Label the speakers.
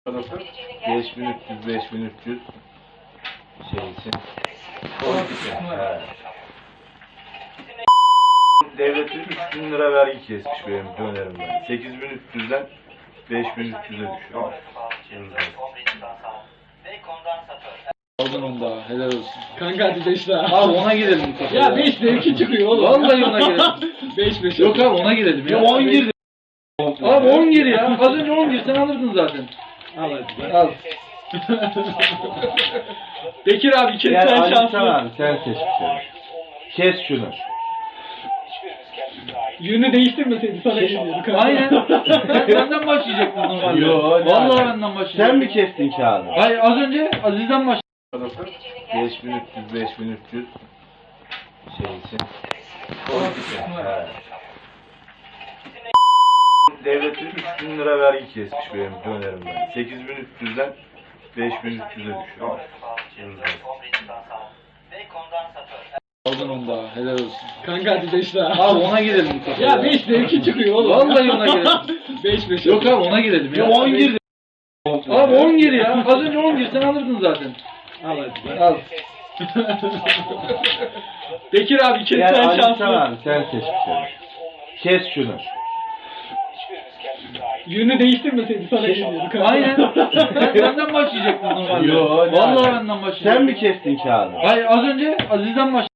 Speaker 1: Nasıl? 5300 5300 şey için. Evet. Devlet 3000 lira vergi kesmiş benim dönerimden. 8300'den 5300'e düşüyor.
Speaker 2: Aldın onu daha, helal olsun.
Speaker 3: Kanka hadi 5 daha.
Speaker 2: Abi ona girelim bu sefer.
Speaker 3: Ya 5 de 2 çıkıyor oğlum.
Speaker 2: Vallahi ona girelim.
Speaker 3: 5
Speaker 2: Yok abi ona girelim ya.
Speaker 1: 10 girdi.
Speaker 2: Abi 10 gir ya. Az önce 10 girsen alırdın zaten.
Speaker 3: Al hadi.
Speaker 2: Al.
Speaker 3: Bekir abi kes
Speaker 1: Yani
Speaker 3: sen
Speaker 1: Ali
Speaker 3: şanslı.
Speaker 1: Can abi sen seç bir tane. Kes şunu.
Speaker 3: Yönü değiştirmeseydi sana geliyordu kanka.
Speaker 2: Aynen. Benden başlayacaktın normalde.
Speaker 1: Yo,
Speaker 2: Vallahi
Speaker 1: yani.
Speaker 2: benden başlayacaktın.
Speaker 1: Sen mi kestin kağıdı?
Speaker 2: Hayır az önce Aziz'den başlayacaktın.
Speaker 1: Nasıl? 5300 5300 şey için. Evet. Devlet 3000 lira vergi kesmiş benim dönerimden. 8300'den 5300'e düşüyor.
Speaker 2: Aldın onu daha, helal olsun.
Speaker 3: Kanka hadi 5 daha.
Speaker 2: Abi ona girelim bu sefer.
Speaker 3: Ya 5 de 2 çıkıyor oğlum.
Speaker 2: Vallahi ona girelim.
Speaker 3: 5
Speaker 2: Yok abi ona girelim ya.
Speaker 1: 10 girdi.
Speaker 2: Abi 10 gir ya. Az önce 10 girsen alırdın zaten.
Speaker 3: Al hadi.
Speaker 2: Al.
Speaker 3: Bekir abi kes
Speaker 1: Yani
Speaker 3: sen
Speaker 1: Ali Can
Speaker 3: şanslı.
Speaker 1: abi sen seç bir tane. Kes şunu.
Speaker 3: Yönü değiştirmeseydi sana geliyordu kanka.
Speaker 2: Aynen. Benden başlayacaktın normalde.
Speaker 1: Yo,
Speaker 2: Vallahi
Speaker 1: yani.
Speaker 2: benden başlayacaktın.
Speaker 1: Sen mi kestin kağıdı?
Speaker 2: Hayır az önce Aziz'den başlayacaktın.